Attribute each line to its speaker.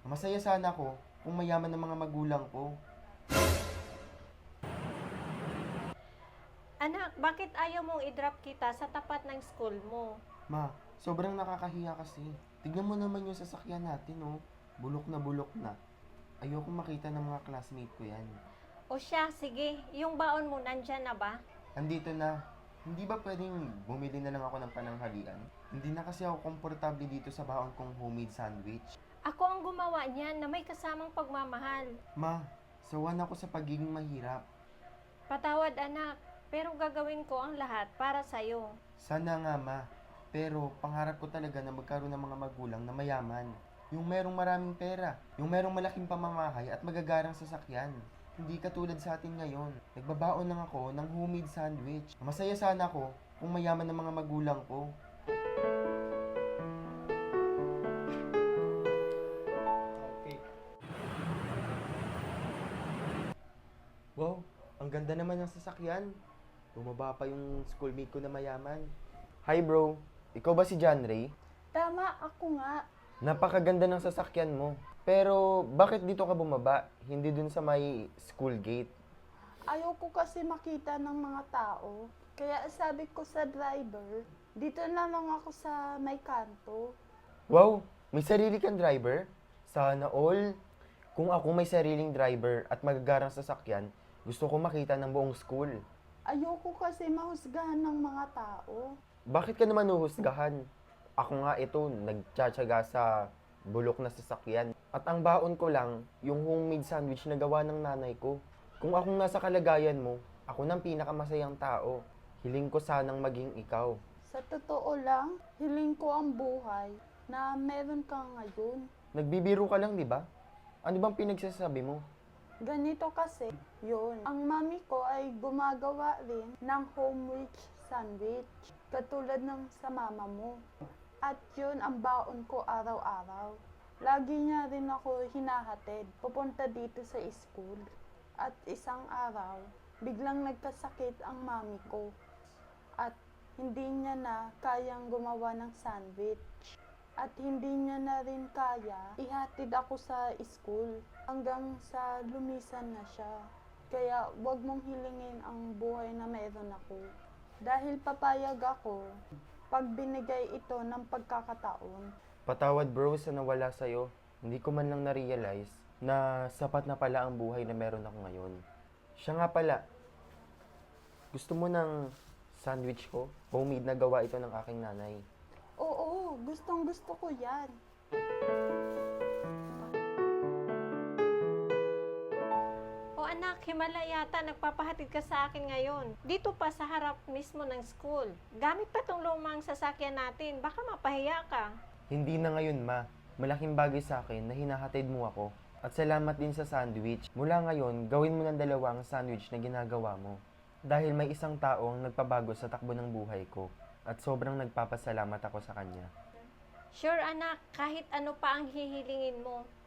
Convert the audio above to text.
Speaker 1: Masaya sana ako kung mayaman ng mga magulang ko.
Speaker 2: Anak, bakit ayaw mong i-drop kita sa tapat ng school mo?
Speaker 1: Ma, sobrang nakakahiya kasi. Tignan mo naman yung sasakyan natin, oh. Bulok na. Ayoko makita ng mga classmate ko yan.
Speaker 2: O siya, sige, yung baon mo nandyan na ba?
Speaker 1: Andito na. Hindi ba pwedeng bumili na lang ako ng pananghalian? Hindi na kasi ako komportable dito sa baon kong homemade sandwich.
Speaker 2: Ako ang gumawa niyan na may kasamang pagmamahal.
Speaker 1: Ma, sawan ako sa pagiging mahirap.
Speaker 2: Patawad anak, pero gagawin ko ang lahat para sa'yo.
Speaker 1: Sana nga, ma. Pero pangarap ko talaga na magkaroon ng mga magulang na mayaman. Yung merong maraming pera, yung merong malaking pamamahay at magagarang sasakyan. Hindi katulad sa atin ngayon. Nagbabaon lang ako ng homemade sandwich. Masaya sana ako kung mayaman ng mga magulang ko. Okay. Wow, ang ganda naman ng sasakyan. Bumaba pa yung schoolmate ko na mayaman. Hi bro, ikaw ba si John Ray?
Speaker 3: Tama, ako nga.
Speaker 1: Napakaganda ng sasakyan mo. Pero bakit dito ka bumaba? Hindi dun sa may school gate.
Speaker 3: Ayoko kasi makita ng mga tao. Kaya sabi ko sa driver, dito na lang ako sa may kanto.
Speaker 1: Wow, may sarili kang driver? Sana all. Kung ako may sariling driver at magagarang sasakyan, gusto ko makita ng buong school.
Speaker 3: Ayoko kasi mahusgahan ng mga tao.
Speaker 1: Bakit ka naman uhusgahan? Ako nga ito, nagtsatsaga sa bulok na sasakyan. At ang baon ko lang, yung homemade sandwich na gawa ng nanay ko. Kung akong nasa kalagayan mo, ako nang pinakamasayang tao. Hiling ko sanang maging ikaw.
Speaker 3: Sa totoo lang, hiling ko ang buhay na meron ka ngayon.
Speaker 1: Nagbibiro ka lang, di ba? Ano bang pinagsasabi mo?
Speaker 3: Ganito kasi, yun. Ang mami ko ay gumagawa rin ng homemade sandwich, katulad ng sa mama mo. At yun ang baon ko araw-araw. Lagi niya rin ako hinahatid, pupunta dito sa school. At isang araw, biglang nagkasakit ang mami ko. At hindi niya na kayang gumawa ng sandwich. At hindi niya na rin kaya ihatid ako sa school hanggang sa lumisan na siya. Kaya wag mong hilingin ang buhay na meron ako. Dahil papayag ako pag binigay ito ng pagkakataon.
Speaker 1: Patawad bro sa nawala sa'yo. Hindi ko man lang na-realize na sapat na pala ang buhay na meron ako ngayon. Siya nga pala, gusto mo ng sandwich ko? Homemade na gawa ito ng aking nanay.
Speaker 3: Oo, gustong gusto ko yan.
Speaker 2: O anak, himala yata nagpapahatid ka sa akin ngayon. Dito pa sa harap mismo ng school. Gamit pa tong lumang sasakyan natin, baka mapahiya ka.
Speaker 1: Hindi na ngayon, ma. Malaking bagay sa akin na hinahatid mo ako. At salamat din sa sandwich. Mula ngayon, gawin mo ng dalawang sandwich na ginagawa mo. Dahil may isang taong nagpabago sa takbo ng buhay ko. At sobrang nagpapasalamat ako sa kanya.
Speaker 2: Sure anak, kahit ano pa ang hihilingin mo,